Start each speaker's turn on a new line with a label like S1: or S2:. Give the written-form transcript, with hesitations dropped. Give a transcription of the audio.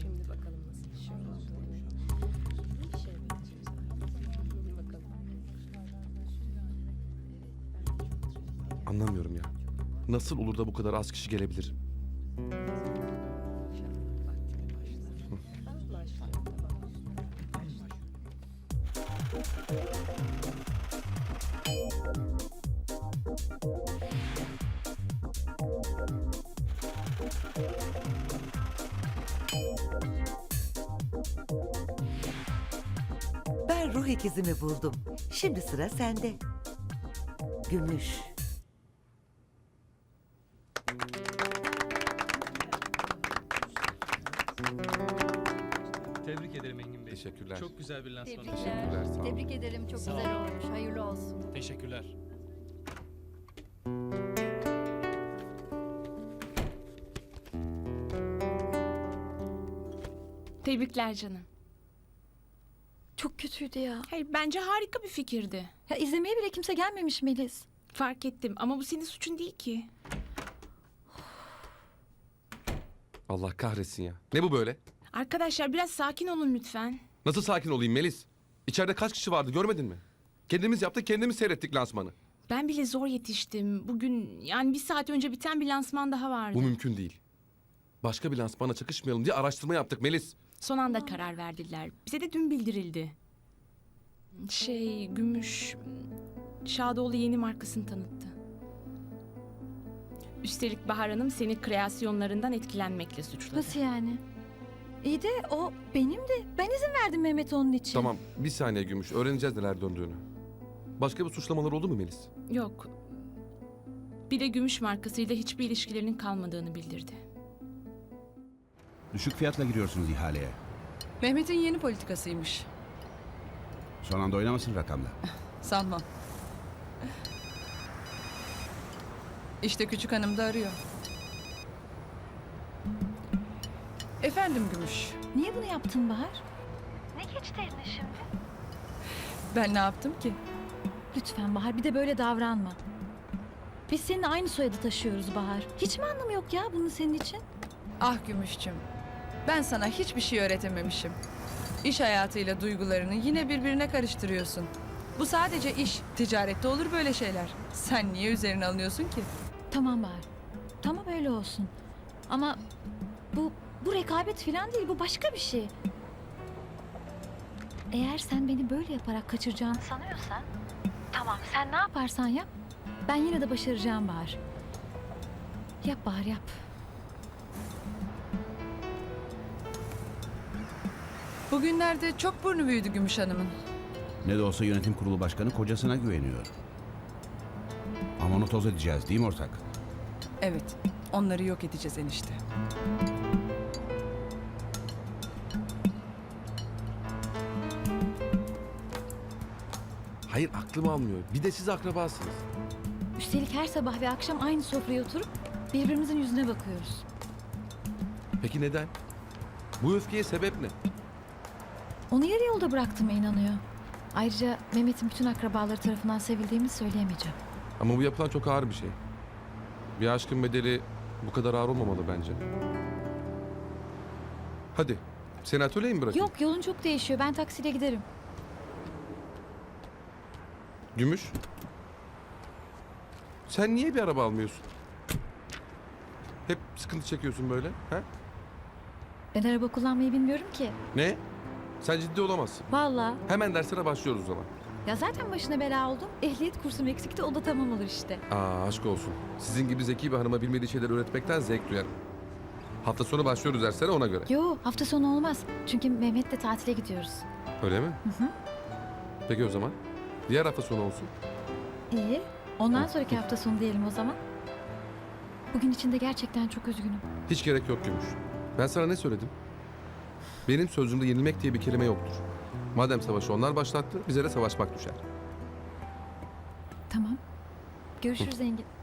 S1: Şimdi bakalım nasıl bir şey olduğunu. Bir şey bakacağız. Bakalım.
S2: Anlamıyorum ya. Nasıl olur da bu kadar az kişi gelebilir?
S1: İnşallah vaktinde başlar. Tamam, başlıyor. Tamam.
S3: Ben ruh ikizimi buldum. Şimdi sıra sende. Gümüş.
S4: Tebrik ederim Engin Bey.
S2: Teşekkürler.
S4: Çok güzel bir lansman oldu.
S2: Teşekkürler, sağ olun.
S5: Tebrik ederim. Çok
S4: Sağ
S5: güzel
S4: olun.
S5: olmuş. Hayırlı olsun.
S4: Teşekkürler.
S6: Tebrikler canım.
S5: Çok kötüydü ya.
S6: Hayır, bence harika bir fikirdi.
S5: Ya izlemeye bile kimse gelmemiş Melis.
S6: Fark ettim ama bu senin suçun değil ki.
S2: Allah kahretsin ya. Ne bu böyle?
S6: Arkadaşlar biraz sakin olun lütfen.
S2: Nasıl sakin olayım Melis? İçeride kaç kişi vardı görmedin mi? Kendimiz yaptık, kendimiz seyrettik lansmanı.
S6: Ben bile zor yetiştim. Bugün yani bir saat önce biten bir lansman daha vardı.
S2: Bu mümkün değil. Başka bir lansmana çakışmayalım diye araştırma yaptık Melis.
S6: Son anda karar verdiler. Bize de dün bildirildi. Gümüş Şadoğlu yeni markasını tanıttı. Üstelik Bahar Hanım seni kreasyonlarından etkilenmekle suçladı.
S5: Nasıl yani? İyi de o benimdi. Ben izin verdim Mehmet onun için.
S2: Tamam, bir saniye Gümüş. Öğreneceğiz neler döndüğünü. Başka bir suçlamalar oldu mu Melis?
S6: Yok. Bir de Gümüş markasıyla hiçbir ilişkilerinin kalmadığını bildirdi.
S7: Düşük fiyatla giriyorsunuz ihaleye.
S8: Mehmet'in yeni politikasıymış.
S7: Son anda oynamasın rakamla.
S8: Sanmam. İşte küçük hanım da arıyor. Efendim Gümüş.
S5: Niye bunu yaptın Bahar? Ne geçti eline şimdi?
S8: Ben ne yaptım ki?
S5: Lütfen Bahar bir de böyle davranma. Biz seninle aynı soyadı taşıyoruz Bahar. Hiç mi anlamı yok ya bunun senin için?
S8: Ah Gümüşçüm. Ben sana hiçbir şey öğretememişim. İş hayatıyla duygularını yine birbirine karıştırıyorsun. Bu sadece iş. Ticarette olur böyle şeyler. Sen niye üzerine alınıyorsun ki?
S5: Tamam Bahar. Tamam öyle olsun. Ama bu rekabet falan değil. Bu başka bir şey. Eğer sen beni böyle yaparak kaçıracağını sanıyorsan... Tamam sen ne yaparsan yap. Ben yine de başaracağım Bahar. Yap Bahar yap.
S8: Bugünlerde çok burnu büyüdü Gümüş Hanım'ın.
S7: Ne de olsa yönetim kurulu başkanı kocasına güveniyor. Ama onu toz edeceğiz değil mi ortak?
S8: Evet, onları yok edeceğiz enişte.
S2: Hayır, aklım almıyor. Bir de siz akrabasınız.
S5: Üstelik her sabah ve akşam aynı sofraya oturup birbirimizin yüzüne bakıyoruz.
S2: Peki neden? Bu öfkeye sebep ne?
S5: Onu yarı yolda bıraktığıma inanıyor. Ayrıca Mehmet'in bütün akrabaları tarafından sevildiğimi söyleyemeyeceğim.
S2: Ama bu yapılan çok ağır bir şey. Bir aşkın bedeli bu kadar ağır olmamalı bence. Hadi, seni atölyeye mi bırakayım?
S5: Yok yolun çok değişiyor. Ben taksiyle giderim.
S2: Gümüş. Sen niye bir araba almıyorsun? Hep sıkıntı çekiyorsun böyle. Ha?
S5: Ben araba kullanmayı bilmiyorum ki.
S2: Ne? Sen ciddi olamazsın.
S5: Vallahi.
S2: Hemen derslere başlıyoruz o zaman.
S5: Ya zaten başına bela oldum. Ehliyet kursum eksikti. O da tamam olur işte.
S2: Aa, aşk olsun. Sizin gibi zeki bir hanıma bilmediği şeyleri öğretmekten zevk duyarım. Hafta sonu başlıyoruz derslere ona göre.
S5: Yo hafta sonu olmaz. Çünkü Mehmet'le tatile gidiyoruz.
S2: Öyle mi? Peki o zaman. Diğer hafta sonu olsun.
S5: İyi. Ondan sonraki hafta sonu diyelim o zaman. Bugün için de gerçekten çok üzgünüm.
S2: Hiç gerek yok Gümüş. Ben sana ne söyledim? Benim sözümde yenilmek diye bir kelime yoktur. Madem savaşı onlar başlattı, bize de savaşmak düşer.
S5: Tamam. Görüşürüz Engin.